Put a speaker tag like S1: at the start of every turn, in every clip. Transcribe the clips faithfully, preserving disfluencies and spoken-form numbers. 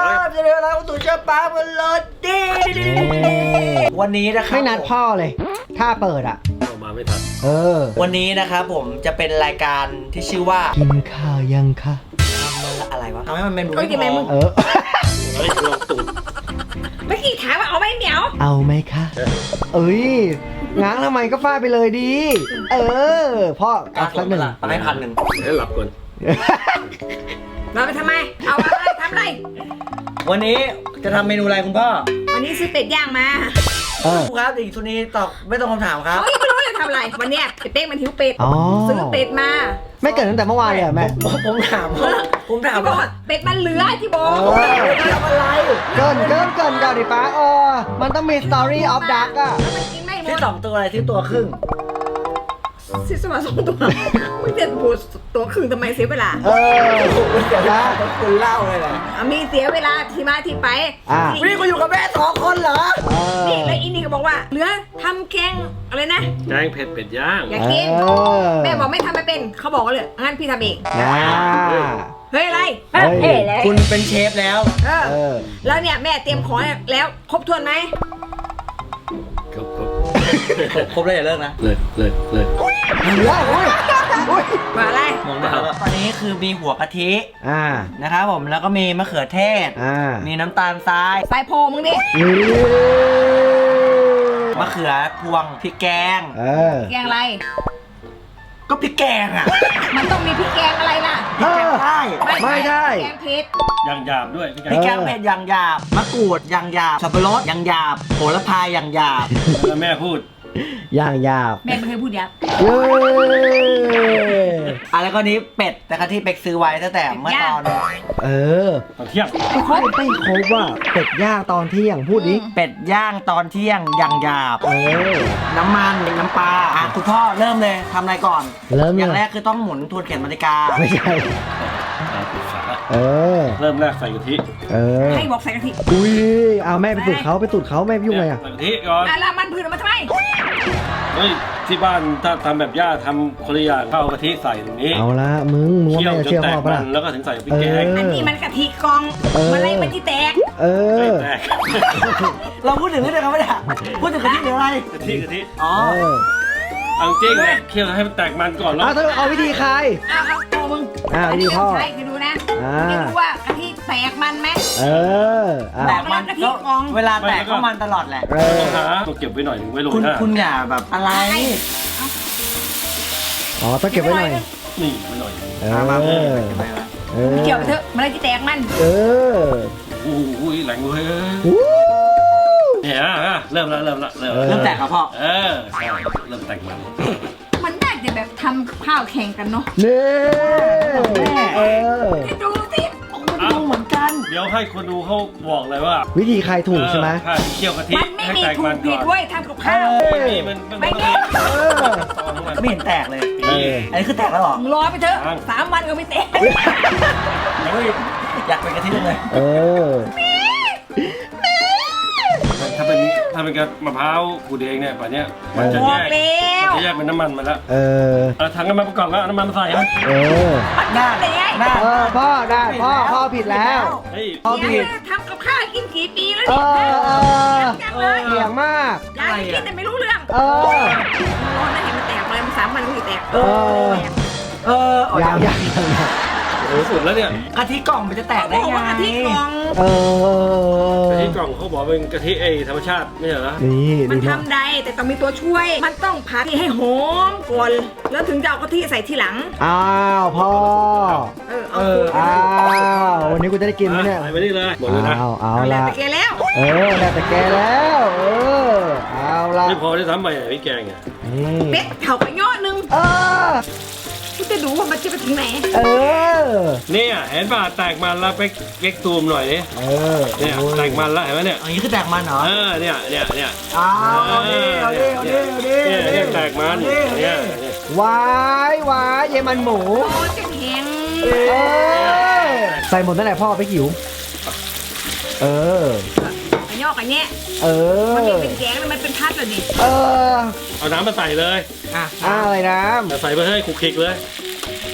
S1: บจะเรียกอะไรของตู่เจ้าป้าบนรถดิวันนี้นะครับ
S2: ไม่นัดพ่อเลยถ้าเปิดอ่ะ
S3: มาไม่ทัน
S2: เออ
S1: วันนี้นะครับผมจะเป็นรายการที่ชื่อว่า
S2: กินข้าวยังคะ
S1: ทำมันอะไรวะทำให้มันเป็นดู
S4: ไม่พอ
S2: เออ
S3: เฮ้ยลองตูด
S4: เมื่อกี้ถามว่าเอาไหมเหมียว
S2: เอาไหมคะเอ้ยง้างทำไมก็ฟาดไปเลยดีเออพ่อเอาสักหนึ่ง
S1: ให้พันหนึ่ง
S3: เดี๋ยวหลับก่อน
S4: เราไปทำไมเอาอะไรทำอะไร
S1: วันนี้จะทำเมนูอะไรคุณพ่อ
S4: วันนี้ซื้อเป็ดย่างมา
S1: ครับอีกชุดนี้ตอบไม่ต้องคำถามครับ
S4: เขาไม่รู้จะทำอะไรวันเนี้ยเป๊กมันหิวเป็ดซื้อเป็ดมา
S2: ไม่เกิดตั้งแต่เมื่อวานเลยแม่
S1: ผมถามผมถาม
S4: ว่าเป็ดมันเหลือที่บอก
S1: ทำอะไร
S2: เกินเกินเกินเกินดิป้าเออมันต้องมี story of dark อ่ะ
S1: ที่สองตัวอะไรที่ตัวครึ่ง
S4: ซิสมาสองตัวมึงจะพูดตัวครึ่งทำไมเสียเวลา
S2: เออ
S1: เดี๋ยวนะคุณเล่าเลยแหละ
S4: มีเสียเวลาที่มาที่ไป
S1: นี่กูอยู่กับแม่สองคนเหรอ
S4: นี่แล้วอินนี่ก็บอกว่าเหลือทำแกงอะไรนะ
S3: แกงเผ็ดเป็ดย่าง
S4: อยากกินแม่บอกไม่ทำไม่เป็นเขาบอกเลยงั้นพี่ทำเองเฮ้ยอะไร
S1: เฮ้ยคุณเป็นเชฟแล้ว
S4: เออแล้วเนี่ยแม่เตรียมของแล้วครบถ้วนไหม
S3: ครบครบ
S1: ครบเลยอย่าเลิกนะ
S3: เลิกเลิกเลิก
S2: เหลือโอ้ย
S4: มาอะไร
S1: มองมาตอนนี้คือมีหัวกะทิอ่านะครับผมแล้วก็มีมะเขือเทศอ่ามีน้ำตาลทราย
S4: ทรายโพมึงดิ
S1: มะเขือพวงพริกแกง
S2: เออ
S4: แกงอะไร
S1: ก็พริกแกงอ่ะ
S4: มันต้องมีพริกแกงอะไรล่ะ
S1: พริกแกงใต้
S2: ไม่ได้
S4: แกงเผ็ด
S3: อย่างหยาบด้วย
S1: พริกแกงเผ็ดอย่างหยาบมะกรูดอย่างหยาบสับปะรดอย่างหยาบโหระพาอย่างหยาบ
S3: แล้วแม่พูด
S2: อย่างหยาบ
S4: แม่ไม่เคยพูดหยาบ
S2: เย้
S1: อะไรก็นี้เป็ดแต่กะที่เป็กซื้อไว้ตั้งแต่เมื่อตอน
S2: เออ
S3: ตอนเที่ยง
S2: ไม่ครบไม่ครบว่าเป็ดย่างตอนเที่ยงพูดดิ
S1: เป็ดย่างตอนเที่ยงอย่างหยาบ
S2: เออ
S1: น้ำมันน้ำปลาอ่ะคุณพ่อเริ่มเลยทำอะไรก่อน
S2: เริ่ม
S1: อย่างแรกคือต้องหมุนทวนเข็มนาฬิกา
S2: ไม่ใช่เออ
S3: เริ่มแรกใส่กะทิ
S2: เออ
S4: ให้บอกใส่กะทิ
S2: อุ้ยเอาแม่ไปตุดเขาไปตุดเขาแม่ยุ่งอะไรอ่ะ
S3: ใส่กะทิก่อน
S4: แล้วมันพืนออกมาทำไม
S3: เฮ้ยที่บ้านถ้าทำแบบย่าทำคนละอย่างข้าวกะทิใส่ตรงนี้
S2: เอาละมึงมึงไม่เชื่อพ่อปะล่ะ
S3: แล้วก็ถึงใส่พริกแกง
S4: อันนี้มันกะทิกองมันอะไรมันที่แตก
S2: เออ
S1: เราพูดถึงเรื่องอะไรกันไม่ได้พูดถึงกะทิหรืออะไร
S3: กะทิกะทิ
S1: อ๋อ
S3: เอาจริงเนี่ยเคี่ยวให้มันแตกมันก่อนแล้ว
S2: เอาวิธีใคร
S4: อ้าวเอามึง
S2: อ่าวิธีพ่อ
S4: ใครคือดูนะจะดูว่ากะทิแตกมันไหม
S2: เออ
S1: แตกมันกะทิกองเวลาแตกก็มันตลอดแหละ
S3: ต้องหาต้องเก็บไว้หน่อยไว้โรยหน้า
S1: คุณอย่าแบบอะไร
S2: อ๋อต้องเก็บไว้หน่อย
S3: นี่ไว้หน่อย
S2: เออ
S4: เออเกี่ยวไปเถอะมันอะไรที่แตกมัน
S2: เออ
S3: โอ้ยแรงเลยเนี่ยเริ่มแล้วเริ่มแล้วเริ่ม
S1: เริ่มแตกครับพ่อ
S3: เออใช่เริ่มแตกมัน
S4: มันน่าจะแบบทำข้าวแข่งกันเนาะ
S2: นี่เออ
S4: ดูสิ
S1: ดูเหมือนกัน
S3: เดี๋ยวให้คนดูเขาบอกเลยว่า
S2: วิธีใครถูกใช่ไหม
S3: เคี่ยวกะทิ
S4: มันไม่มีถูกผิดด้วยทำกับข้าว
S3: ไม่มีมันไม่มี
S1: ไม่เห็นแตกเลยอันนี้คือแตกแล้วหรอ
S4: รอไปเถอะสามวันก็ไม่แตก
S1: อยากเป็นกะทิเลย
S2: เออ
S3: ถ้าเป็นถ้าเป็นกระมะพร้าวขูดเองเนี่ยป่านนี้มันจะแยกมันจะแยกเป็นน้ำมันมาแล้วเออเอาถังน้ำมันประกอบแล้วน้ำมันมาใส่ไหม
S2: เออ
S4: ได้
S2: ได้เออพ่อได้พ่อพ่อผิดแล้ว
S4: พ่อผิดทำกับข้าวกินกี่ปีแล้ว
S2: เนี่ยเออ
S4: เ
S2: เหี่ยงมาก
S4: ยายกินแต่ไม่รู้เรื่อง
S2: เออ
S4: ร้อนนะเห็นมันแตกเลยมันสามวันก็แตก
S2: เออเออยังยัง
S3: โอ้สุดแล้วเนี่ย
S1: กะทิกล่องมันจะแตกได้ไง
S4: กะทิกล่อง
S2: เอ
S3: อกะทิกล่องเขาบอกเป็นกะทิไอธรรมชาติไม่ใช่เหรอ
S2: นี่
S4: มันทำได้แต่ต้องมีตัวช่วยมันต้องผัดให้หอมก่อนแล้วถึงจะเอากะทิใส่ทีหลัง
S2: อ้าวพ่อ
S4: เออ
S2: เอออ้าววันนี้กูจะได้กินไหมเนี่ย
S3: ไปนี่เลยหมดเลยนะ
S2: เอาเอาละ
S4: แต่แกแล้ว
S2: เออแล้วแต่แกแล้วเออเอาละ
S3: ไม่พอได้ทำใหม่พี่แกงอ่ะ
S4: เป็ดเข่าไปย่อนึง
S2: เออ
S4: กูจะดูว่ามันจะไปถึงไหน
S2: เออ
S3: เนี่ยเห็นป่ะแตกมันแล้วไปเก๊กตูมหน่อยนี่
S2: เออ
S3: เนี่ยแตกมันแล้วเห็นไหมเนี่ย
S1: อันนี้คือแตกมันเหรอ
S3: เออเนี่ยเนี่ยเนี่ย
S1: อ้าวเอาดิเอาดิเอาดิเอาดิ
S3: เนี่ยแตกมันเนี่
S2: ยวายวายเยมันหมู
S4: โอ้จะแข็ง
S2: ใส่หมดตั้งแต่พ่อไปหิวเออ
S4: ไอ้ย่อกันเนี้ย
S2: เออ
S4: มันเป็นแกงแล้วมันเป็นพัดเลยดิ
S2: เออ
S3: เอาน้ำมาใส่เลย
S2: อ่ะอะไรน้
S3: ำใส่ไปให้คุกคิกเลยเอ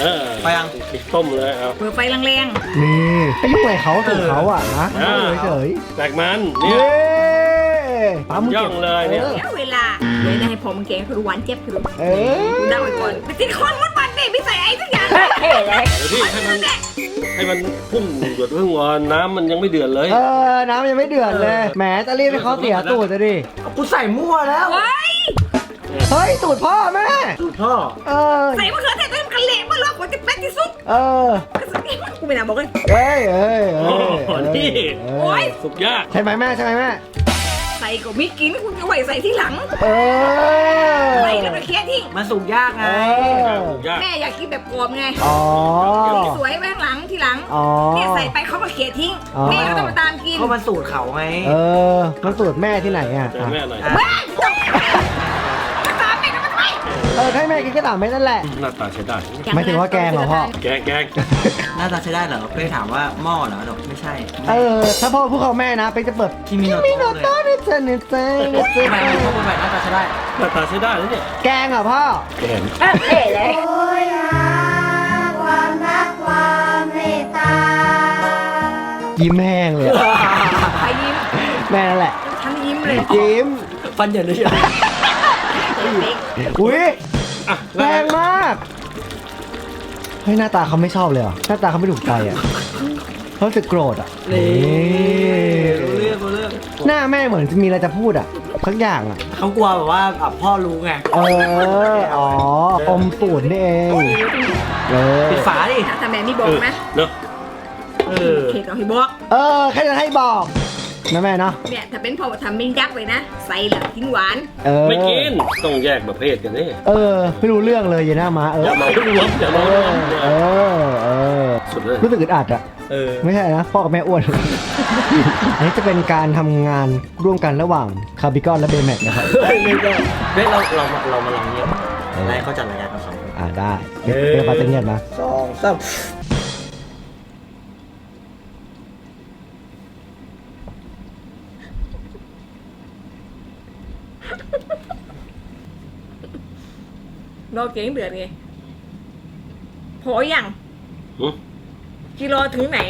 S3: เออ
S1: ไปยัง
S3: ปิดต้มเลยเอา
S4: เปิดไฟแรง
S2: นี่ไปยุ่งอะไรเขาถูกเขาอ่ะนะ
S3: เออ
S2: เฉย
S3: แตกมัน
S2: ๆ
S3: เนี่ย
S2: เย้ปั๊ม
S3: ย่องเลยเนี่ย
S4: ๆเดี๋ยวเวลาเดี๋ยวให้ผมแกงคือหวานเจ็บคือ
S2: เออ
S4: กูเดาไว้ก่อนไปกินคนมดมันดิไม่ใส่ไอ้ทุกอย่าง
S3: เดี๋ยวพี่ให้มันให้มันพุ่งหยดเพิ่งวอนน้ำมันยังไม่เดือดเลย
S2: เออน้ำยังไม่เดือดเลยแหมจะรีบให้เขาเสียตูดจะดิ
S1: กูใส่มั่วแล้ว
S4: เฮ้ย
S2: เฮ้ยตูดพ่อแม่
S1: สูตรพ่อ
S2: เออ
S4: ใส่มะเขือเทศเต็มกระเหล่เมื่อรอบกว่าจะเป็นที่สุด
S2: เออ
S4: กูไม่น่าบอกเลย
S2: เอ้ยเอ้ย
S3: โอ้
S2: เอ้ย
S3: โหนี่
S2: เอ
S4: โอ๊
S2: อย
S3: สุกยาก
S2: ใช่ไหมแม่ใช่ไหมแม่
S4: ใส่ก็ไม่กินคุณจะไหวใส่ที่หลัง
S2: เออ
S4: ใส่แล้วไปเคี่ยทิ้ง
S1: มันสุกยากไง
S2: เออ
S3: สุกยาก
S4: แม่อยากกินแบบกรอบไง
S2: อ๋อ
S4: สวยไว้ข้างหลังทีหลัง
S2: อ๋อ
S4: เนี่ยใส่ไปเขาก็เคี่ยทิ้ง
S2: อ๋อ
S4: แม่ก็ต้องมาตามกิน
S1: เพราะมันสูตรเขาไง
S2: เออมันสูตรแม่ที่ไหนอ่ะ
S3: เจอแม่หน่อย
S1: อ่ะ
S4: แม่ต้องตามแม่ก็มาทำไม
S2: เออให้แม่กินแค่สามเม็ดนั่นแหละ
S3: หน้าตาใช้ได้
S2: ไม่ถึงว่าแกงเหรอพ่อ
S3: แกงแกง
S1: หน้าตาใช้ได้เหรอเป้ถามว่าหม้อเหรอดอกไม่ใช่
S2: เออถ้าพ่อพูดเขาแม่นะไปจะเปิด
S1: คิมิโน
S2: มิโน
S1: โตะเลย
S2: โตะเนี่ยเจนเนี่ยเจนเนี่ยเจ
S1: ทำไม
S2: น
S1: พ่อพูดไปหน้าตาใช้ได้
S3: หน้าตาใช้ได้แล้วเนี่ย
S2: แกงเหรอพ่อ
S3: แกง
S2: ยิ้มแห้งเลยอะ
S4: ใครยิ้ม
S2: แม่นั่นแหละ
S4: ฉันยิ้มเลย
S2: ยิ้ม
S1: ฟันเหยินเลย
S2: อุ้ย
S3: อ่ะ
S2: แรงมากเฮ้ยหน้าตาเขาไม่ชอบเลยเหรอหน้าตาเขาไม่ถูกใจอ่ะเขารู้สึกโกรธอ่ะ
S1: นี่รู้เรื่องรู้เรื่อง
S2: หน้าแม่เหมือนจะมีอะไรจะพูดอ่ะสักอย่างอ่ะ
S1: เขากลัวแบบว่าอ่ะพ่อรู้ไง
S2: เอออ๋ออมสูตรนี่เองเออ
S1: ปิดฝาดิ
S4: ถ้าแม่ไม่บอกนะ
S3: เนาะ
S1: เออ
S4: เค้กเอาให้บอก
S2: เออแค่จะให้บอกนะแม่เนาะ
S4: เนี่ยถ้าเป็นพ่อทำมินยักษ์เลยนะ ใส่หลังกินหวาน
S2: เออ
S3: ไม่กินต้องแยกประเภทกันนี่
S2: เออไม่รู้เรื่องเลยอย่าหน้ามาเออ
S3: อย่าเมารวมอย่า
S2: เอ
S3: เมารว
S2: อ
S3: ม
S2: เออเออ
S3: สุดเลย
S2: รู้สึกอึดอัดอ่ะ
S1: เออ
S2: ไม่ใช่นะพ่อกับแม่อ้วน อันนี้จะเป็นการทำงานร่วมกันระหว่างคาร์บิคอนและเบแม็กนะครับ
S1: เฮ้ยเราเรามาเรามาลองเงียบอะไรเขาจัดรายการกันสองคน
S2: อ่าได้เดี๋ยวเดี๋ยวเขาจะเงียบนะ
S1: สองสาม
S4: รอเก่งเดือดไงพออย่าง
S3: หึ
S4: กิโลถึงไหน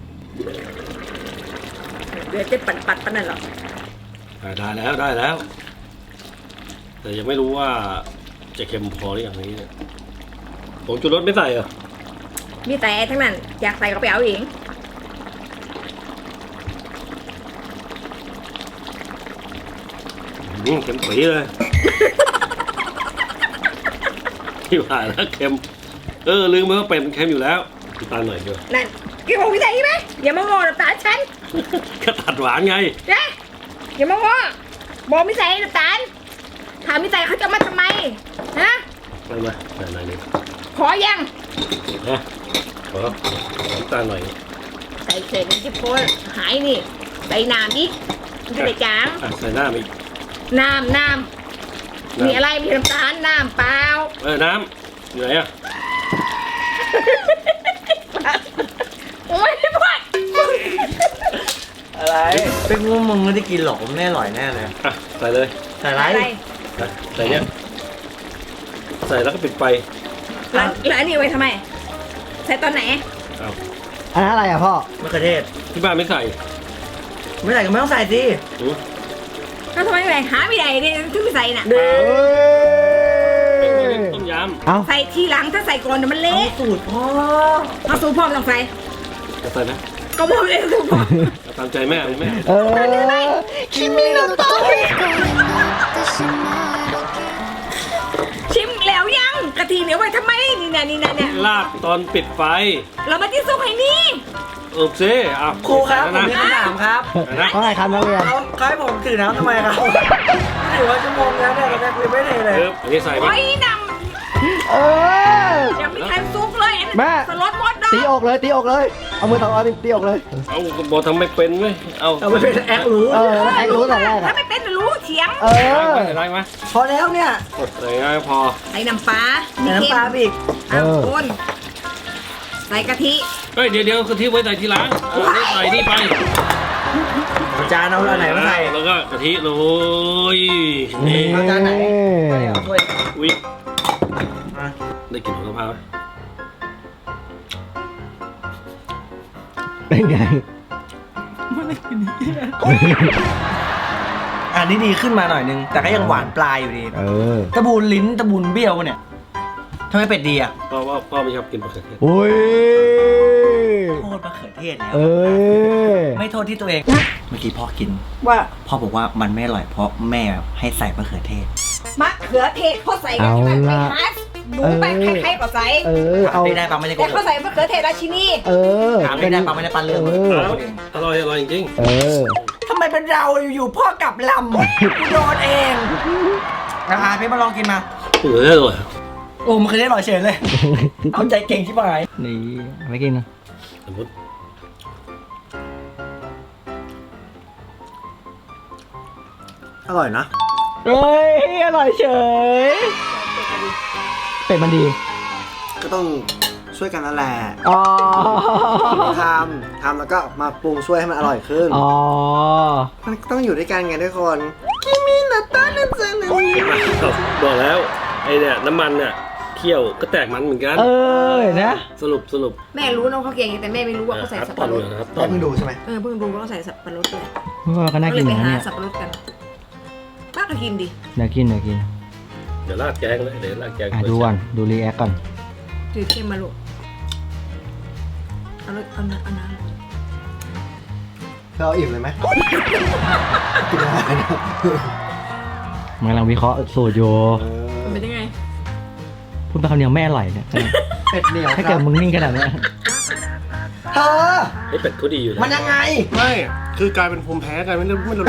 S4: เดือดจะปัดปัดปันนั่นหรอ
S3: ได้แล้วได้แล้ว แต่ยังไม่รู้ว่าจะเค็มพอหรือยังนี้เนี่ยผงชูรสไม่ใส่เหรอ
S4: มีแต่ทั้งนั้น อยากใส่ก็ไปเอาเอง
S3: อืมเค็มปีเลย ที่ผ่านแล้วเค็ม เออลืมไปว่าเป็ดมันเค็มอยู่แล้วน้ำตาลหน่อยเดียว
S4: นั่นกินของพี่ใส่ไหมอย่ามางอน้ำตาลฉัน
S3: ก็ตัดหวานไง
S4: นะอย่ามางอบอกไม่ใส่น้ำตาลถามไม่ใส่เขาจะมาทำไมฮะ
S3: ไปมาใส่หน่อยหนึง
S4: ขอยัง
S3: นะขอน้ำตาลหน่อย
S4: ใส่เศษน้ำจิ้มโพนหายนี่ ใส่น้ำอีกมันจะได้จาง
S3: อ่ะใส่น้ำอีก
S4: น้ำน้ำมีอะไรมีน้ำตาลน้ำเปล่า
S3: เออน้ำอยู่ไหนอ่ะ
S4: โอ้ยพ่อ
S1: อะไรเป็นงูมึงไม่ได้กินหรอกมันไม่อร่อยแน่เลย
S3: อ่ะใส่เลย
S1: แต่ไร
S4: อะไร
S3: อ่ะใส่เนี้ยใส่แล้วก็ปิดไฟ
S4: แล้วแล้วอันนี้ไว้ทำไม ใส่ตอนไหน
S3: เอา
S2: อันนั้นอะไรอ่ะพ่อ
S1: มะเขือเทศ
S3: ที่บ้านไม่ใส่
S1: ไม่ใส่ก็ไม่ต้องใส่สิ
S3: หือ
S4: แล้วทำไมไม่หาไม่ได้เนี่ยถึงไม่ใส่น่ะ
S2: เอ้ย
S3: ต้มยำ
S2: เอ้า
S4: ใส่ทีหลังถ้าใส่ก่อนเดี๋ยวมัน
S1: เอา
S4: เละ
S1: สูตรพ่อ
S4: เอาสูตรพร้อมลองใส่
S3: จะใส่ไหม
S4: ก็บอกเลยสูตรพร้อม
S3: เอาตามใจแม่เลยแม่
S2: เออคิมิโนโตะ
S4: ชิมแล้วยังกะทิเหนียวไว้ทำไมนี่นะนี่นะเนี่ย
S3: ลาบตอนปิดไฟ
S4: เรามาที่ซุปให้นี่
S3: โอเคอ่ะ
S1: ครูครับผ
S3: ใส่
S1: ม
S3: แล้ว
S1: มี
S3: นะ
S1: คำถามครับ
S3: ใส่นะ
S2: ว่าไงครับนักเรียน
S1: เขาเขาให้ผมถือน้ำทำไมครับถือว่าชั่วโมงแล้วเนี่ยเรายังไม่เทเลย
S3: เอออันนี้ใส่ไหม
S4: โอ้ยน
S2: เออ
S4: ำยังไม่ทันซุปเลยอันนี้
S2: แม่
S4: สลดหมดดอก
S2: ตีอกเลยตีอกเลย เอามือสองเอาตีอกเลย
S3: เอาบอกทำไม่เป็นไหมเอา
S1: เอาไปเป็นแอครู้
S2: เออแล้วแอ็กรู้แต่แรก
S4: ถ้า
S2: อ่ะ
S4: ไม่เป็นรู้เถียง
S2: เอ
S3: ได้
S2: อ
S3: ไหมได้ไหม
S1: พอแล้วเนี่ย
S3: กดใส่ง่ายพอ
S4: ใส่น้ำปลา
S1: ใส่น้ำปลาไปอีก
S4: เอา
S2: เออ
S4: คนใส่กะทิ
S3: เฮ้ยเดี๋ยวเดี๋ยวกะทิไว้ใส่ทีหลังเออนี่ใส่นี่ไป
S1: เอาจานเอาอันไหนมาใส่
S3: แล้วก็กะทิโรย
S2: นี่
S3: นี่
S1: เอาจานไหนเอาถ้วย
S3: อุ้ย
S1: อ่ะ
S3: ได้กลิ่นของกะเพราไหม
S2: เป็นไง
S1: อันนี้ดีขึ้นมาหน่อยนึง แต่ก็ยังหวานปลายอยู่ดี
S2: เออ
S1: ตะบูนลิ้นตะบูนเบี้ยวเนี่ยทำไมเป็ดดีอ่ะ
S3: เพราะว่าพ่อไม่ชอบกินมะเขือเทศ
S2: โอ้ย
S1: โทษมะเขือเทศแล้ว
S2: เอ้ย
S1: ไม่โทษที่ตัวเอง เมื่อกี้พ่อกิน
S4: ว่า
S1: พ่อบอกว่ามันไม่อร่อยเพราะแม่ให้ใส่มะเขือเทศ
S4: มะเขือเทศเขาใส่กันใช่ไหมไปหาหนูไปใครๆก็ใส่
S2: เออ เอา
S1: ไม่ได้ปังไม่ได้โก
S4: แต่
S1: ห
S4: เขา
S1: ก
S4: ใส่มะเขือเทศราชินี
S2: เออ
S1: ถามไม่ได้ปังไม่ได้ปันเรื่อง
S2: เออ
S3: อร่อยอร่อยจริง
S2: เออ
S1: ทำไมเป็นเราอยู่ๆพ่อกลับลำกูโดนเองนะฮะพี่มาลองกินมา
S3: ๆเอออร่อย
S1: โอ้มันเคยได้ลอยเฉยเลย เอาใจเก่งชิบหายนี่ไม่กินนะ
S3: สมมติ
S1: อร่อยนะ
S2: เฮ้ย อร่อยเฉย เป็ดมันดี
S5: ก็ต้องช่วยกันนั่นแหละ
S2: อ๋อ
S5: ทำทำแล้วก็มาปรุงช่วยให้มันอร่อยขึ้น
S2: อ๋อ
S5: มันต้องอยู่ด้วยกันไงทุกคนคิมินาตานันเซนนี่
S3: บอกแล้วไอ้เนี่ยน้ำมันเนี่ยเคี่ยวก็แตกมันเหมือนกัน
S2: เออนะ
S3: สรุปสรุป
S4: แม่รู้นะเขาเก่งแต่แม่ไม่รู้ว่าเขาใส่สับ
S3: ตอ
S4: ปะ
S3: น
S4: รด
S3: นะครับต
S5: ต้
S3: อ
S5: อน งดูใช่ไหม
S4: เออเพิ่งรู้ว่าเขาใส่สับปะรดด้วย
S2: ว่าก็น่า
S4: ก็เล
S2: กิน
S4: ยไป
S2: นะ
S4: หา
S2: เนี่ย
S4: สับปะรดกันป้าก็กินดิ
S2: เดี๋ยวกินเดี๋ยวกิน
S3: เดี๋ยวราดแกงเลยเดี๋ยวราดแกง
S2: อ่ะดูก่อนดูรีแอคก่อน
S4: จืดเข้มมาลูกเอาเลยเอาน้ำเอาน้
S5: เธอเอาอิ่มเลยไหมกินอะไรนะ
S2: มันกำลังวิเคราะห์สูตรอยู่
S4: ำมันเป็นยังไง
S2: พูดไปคำเดียวไม่อร่อยเนี่ย
S5: เป็ดเหนียว
S2: ถ้าเกิดมึงนิ่งขนาดเนี้ย
S5: เธอ
S3: ไอ้เป็ดเขาดีอยู่นะ
S5: มันยังไง
S6: ไม่ คือกลายเป็นภูมิแพ้กลายเป็นไม่ไม่รู้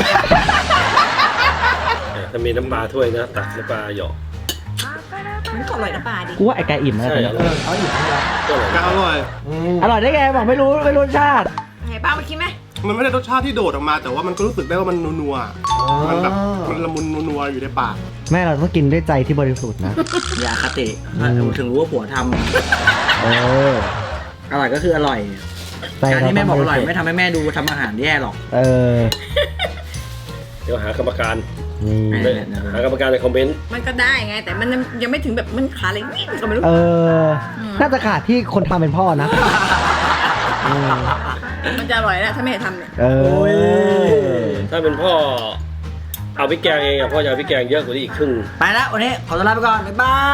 S3: ถ้ามีน้ำปลาถ้วยนะตักน้ำปลาหยอก
S4: มันก็อร่อยนะปลาดิ
S2: กูว่าไอ้ไก่อิ่มนะ
S3: ใช่
S2: ตอน
S3: อ
S2: เนี้ย
S3: ร่อย
S5: เอาอิ่มให้แล้ว
S3: ก็อร่อย
S6: ก็อร่อย
S5: อืม
S2: อร่อยได้ไงบอกไม่รู้ไม่รู้รสชาติ
S4: ไงป้ามากินไหม
S6: มันไม่ได้รสชาติที่โดดออกมา แต่ว่ามันก็รู้สึกได้ว่ามันนัวๆมันแบบมันละมุนนัวๆอยู่ในปาก
S2: แม่เราต้องกินด้วยใจที่บริสุทธิ์นะ
S1: อย่าคติ
S2: อืม
S1: ถึงรู้ว่าผัวท
S2: เออ
S1: ำอร่อยก็คืออร่อย
S2: ใจ
S1: การที่แม่บอกอร่อย
S2: เา
S1: ไม่ทำให้แม่ดูทำอาหารแย่หรอก
S2: เออ
S3: เดี๋ยวหากรรมการ
S2: นี่
S1: ไม่
S3: หากรรมการในคอมเมนต์
S4: มันก็ได้ไง แต่มันยังยังไม่ถึงแบบมันขาอะไรวิ่งก็ไม่รู้
S2: เออ น่าจะขาดที่คนทำเป็นพ่อนะอืม
S4: มันจะอร่อยแล้วถ้าแม่ทำเนี่ย
S2: เออ
S3: ถ้าเป็นพ่อเอาพริกแกงเองอะพ่อจะเอาพริกแกงเยอะกว่านี้อีกครึ่ง
S1: ไปแล้ววันนี้ขอตัวลาไปก่อน บ๊ายบาย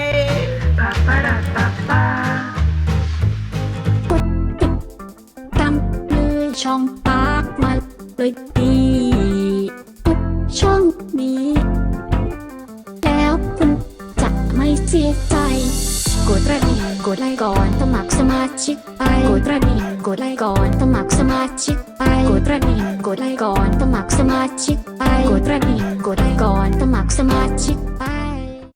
S7: ตามเลยช่องปากมาเลยดีทุกช่องนี้ แล้วคุณจะไม่เสียใจ กดกระดิ่งกดไลค์ก่อนสมัครสมาชิกไปกดกระดิ่งกดไลค์ก่อนสมัครสมาชิกไปกดกระดิ่งกดไลค์ก่อนสมัครสมาชิกไปกดกระดิ่งกดไลค์ก่อนสมัครสมาชิกไป